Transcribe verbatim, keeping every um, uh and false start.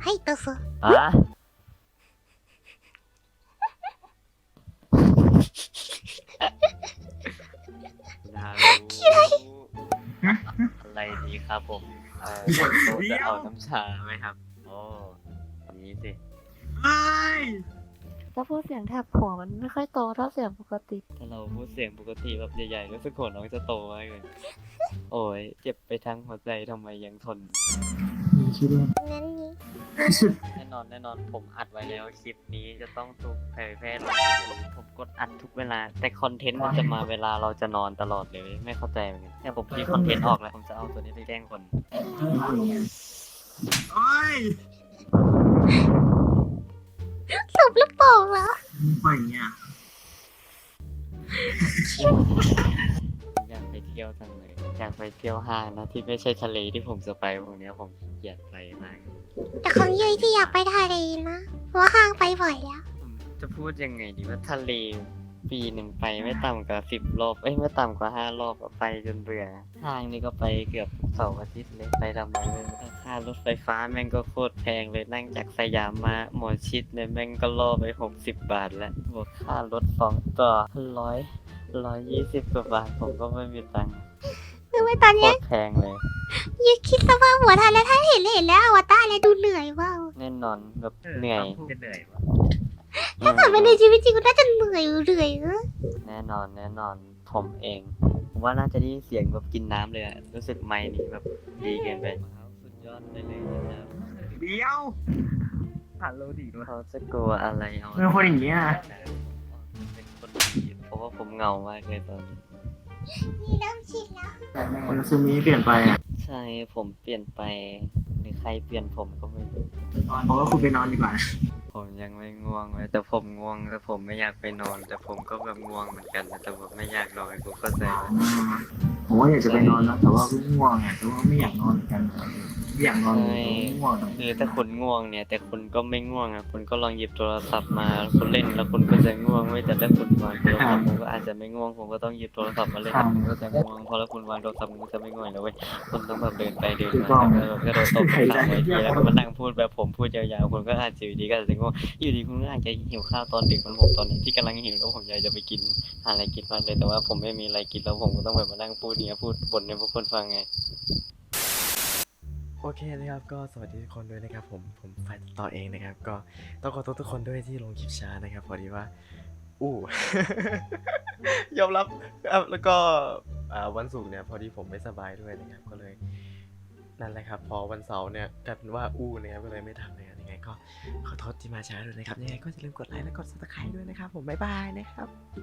はいどうぞ。 あนารู้อะไรดีครับผมเอ่อโต๊ะจะเอาน้ำชาไหมครับโอ้นี้สิถ้าพูดเสียงแถบหัวมันไม่ค่อยโตเท่าเสียงปกติถ้าเราพูดเสียงปกติแบบใหญ่ๆรู้สึกหัวน้องจะโตมากเลยโอ้ยเจ็บไปทั้งหัวใจทำไมยังทนนั่นนี่แน่นอนแน่นอนผมอัดไว้แล้วคลิปนี้จะต้องถูกเผยแพร่ลง YouTube ผมกดอัดทุกเวลา แต่คอนเทนต์มันจะมาเวลาเราจะนอนตลอดเลยไม่เข้าใจเหมือนกันเนี่ยผมคิดคอนเทนต์ออกแล้วผมจะเอาตัวนี้ไปแกล้งคนโอ้ยสบลูกโป่งเหรอไม่เนี่ยอยากไปเที่ยวจังเลยอยากไปเที่ยวห้างนะที่ไม่ใช่ทะเลที่ผมจะไปพวกเนี้ยผมเกลียดไปมากแต่ของยุ้ยที่อยากไปทะเลนะเพราะว่าห้างไปบ่อยแล้วผมจะพูดยังไงดีว่าทะเลปีหนึ่งไปไม่ต่ำกว่าสิบรอบเอ้ยไม่ต่ำกว่าห้ารอบอะไปจนเบื่อห้างนี่ก็ไปเกือบเสาร์อาทิตย์เลยไปทำไมเลยค่ารถไฟฟ้าแม่งก็โคตรแพงเลยนั่งจากสยามมาหมอชิดเนี่ยแม่งก็ล่อไปหกสิบบาทแล้วบวกค่ารถสองต่อร้อยร้อยยี่สิบกว่าบาทผมก็ไม่มีตังค์คือว่าตอนโคเนี้ยตรแพงเลยยุ้ยคิดสภาพหัวทันแล้วถ้าเห็นเห็นแล้วอวตารแล้วดูเหนื่อยว่าวแน่นอนแบบเหนื่อยจะเหนื่อยวะถ้าเกิดเป็นในชีวิตจริงก็น่าจะเหนื่อยเหนื่อยเออแน่นอนแน่นอนผมเอง ผมว่าน่าจะได้ยินเสียงแบบกินน้ำเลยอะรู้สึกไมค์นี้แบบดีเกินไปสุดยอดไปเลยนะครับเดี๋ยวผ่านโลดีด้วยเขาจะกลัวอะไรเอาเป็นคนอย่างเงี้ยเป็นคนดีเพราะว่าผมเหงามากเลยตอนนี้นี่เริ่มชินแล้วคนซูมิเปลี่ยนไปอ่ะใช่ผมเปลี่ยนไปหรือใครเปลี่ยนผมก็ไม่รู้เพราะว่าคุณไปนอนดีกว่าผมยังไม่ง่วงเลยแต่ผมง่วงแต่ผมไม่อยากไปนอน แต่ผมก็แบบง่วงเหมือนกันนะแต่แบบไม่อยากนอนกูเข้าใจผมว่าอยากจะไปนอนนะแต่ว่าก็ง่วงอ่ะแต่ว่าไม่อยากนอนเหมือนกันไม่อยากนอนเลยง่วงคือถ้าคุณง่วงเนี่ย แต่คุณก็ไม่ง่วงอ่ะคุณก็ลองหยิบโทรศัพท์มาคุณเล่นแล้วคุณก็จะง่วงไม่แต่ถ้าคุณวางโทรศัพท์ผมก็อาจจะไม่ง่วงผมก็ต้องหยิบโทรศัพท์มาเล่นผมก็จะง่วงพอแล้วคุณวางโทรศัพท์มันก็จะไม่ง่วงแล้วเว้ยคุณต้องแบบเดินไปเดินมาแล้วแบบกระโดดตบขาไว้ทีแล้วก็มานั่งพูดแบบผมพูดยาวๆคุณก็อาจจะอยู่ดีก็อาจจะง่วงอยู่ดีคุณก็อาจจะหิวข้าวตอนดึกเหมือนผมตอนนี้ที่กำลังหิวแล้วผมอยากจะไปกินหาอะไรกินมากเลยแต่ว่าผมไม่มีอะไรกินแล้วผมก็ต้องแบบมานั่งพูดเนี่ยพูดบ่นให้พวกคนฟังไงโอเคนะครับก็สวัสดีทุกคนด้วยนะครับผมผมฝ่ายต่อเองนะครับก็ต้องขอโทษทุกคนด้วยที่ลงคลิปช้านะครับพอดีว่าอู้ ยอมรับครับแล้วก็อ่าวันศุกร์เนี่ยพอดีผมไม่สบายด้วยนะครับก็เลยนั่นแหละครับพอวันเสาร์เนี่ยกลายเป็นว่าอู้นะครับก็เลยไม่ทำนะครับยังไงก็ขอโทษที่มาช้าด้วยนะครับยังไงก็อย่าลืมกดไลค์และกดซับสไครต์ด้วยนะครับผมบ๊ายบายนะครับ